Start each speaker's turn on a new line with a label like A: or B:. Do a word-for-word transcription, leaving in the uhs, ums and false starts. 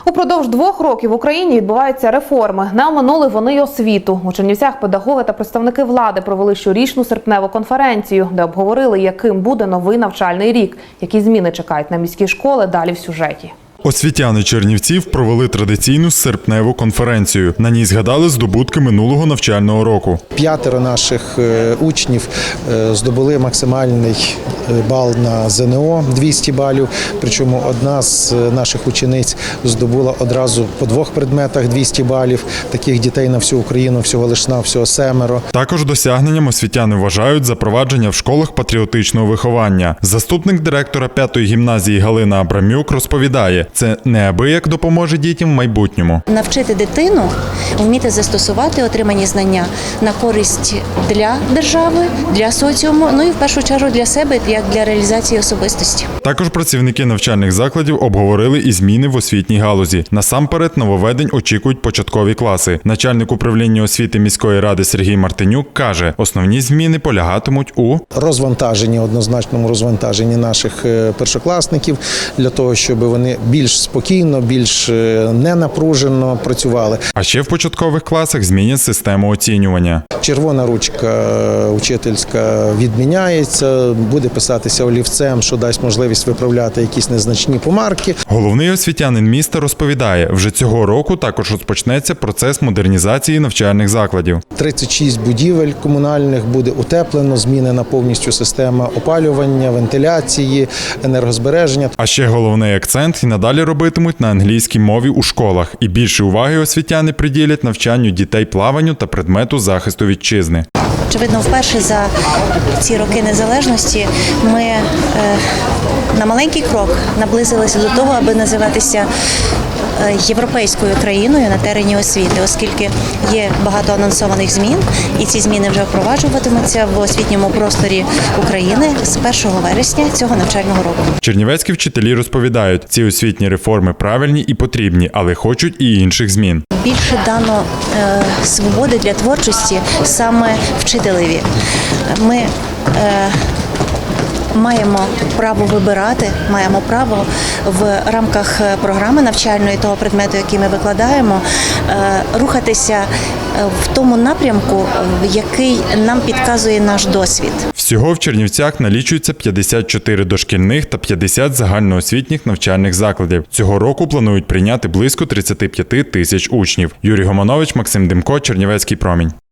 A: Упродовж двох років в Україні відбуваються реформи. Не оминули вони й освіту. У Чернівцях педагоги та представники влади провели щорічну серпневу конференцію, де обговорили, яким буде новий навчальний рік, які зміни чекають на міські школи, далі в сюжеті.
B: Освітяни Чернівців провели традиційну серпневу конференцію. На ній згадали здобутки минулого навчального року.
C: П'ятеро наших учнів здобули максимальний бал на зе ен о – двісті балів. Причому одна з наших учениць здобула одразу по двох предметах двісті балів. Таких дітей на всю Україну всього лиш на всього семеро.
B: Також досягненням освітяни вважають запровадження в школах патріотичного виховання. Заступник директора п'ятої гімназії Галина Абрамюк розповідає, це неабияк допоможе дітям в майбутньому.
D: Навчити дитину вміти застосувати отримані знання на користь для держави, для соціуму, ну і в першу чергу для себе, як для реалізації особистості.
B: Також працівники навчальних закладів обговорили і зміни в освітній галузі. Насамперед нововведень очікують початкові класи. Начальник управління освіти міської ради Сергій Мартинюк каже, основні зміни полягатимуть у
C: розвантаженні, однозначному розвантаженні наших першокласників, для того, щоб вони більш спокійно, більш ненапружено працювали.
B: А ще в початкових класах змінять систему оцінювання.
C: Червона ручка учительська відміняється, буде писатися олівцем, що дасть можливість виправляти якісь незначні помарки.
B: Головний освітянин міста розповідає, вже цього року також розпочнеться процес модернізації навчальних закладів.
C: тридцять шість будівель комунальних буде утеплено, змінена повністю система опалювання, вентиляції, енергозбереження.
B: А ще головний акцент і надалі робитимуть на англійській мові у школах. І більше уваги освітяни приділять навчанню дітей плаванню та предмету захисту вітчизни.
D: Очевидно, вперше за ці роки незалежності ми е, на маленький крок наблизилися до того, аби називатися європейською країною на терені освіти, оскільки є багато анонсованих змін, і ці зміни вже впроваджуватимуться в освітньому просторі України з першого вересня цього навчального року.
B: Чернівецькі вчителі розповідають, ці освітні реформи правильні і потрібні, але хочуть і інших змін.
D: Більше дано е, свободи для творчості саме вчителеві. Ми е, маємо право вибирати, маємо право в рамках програми навчальної того предмету, який ми викладаємо, рухатися в тому напрямку, який нам підказує наш досвід.
B: Всього в Чернівцях налічується п'ятдесят чотири дошкільних та п'ятдесят загальноосвітніх навчальних закладів. Цього року планують прийняти близько тридцять п'ять тисяч учнів. Юрій Гоманович, Максим Демко, Чернівецький промінь.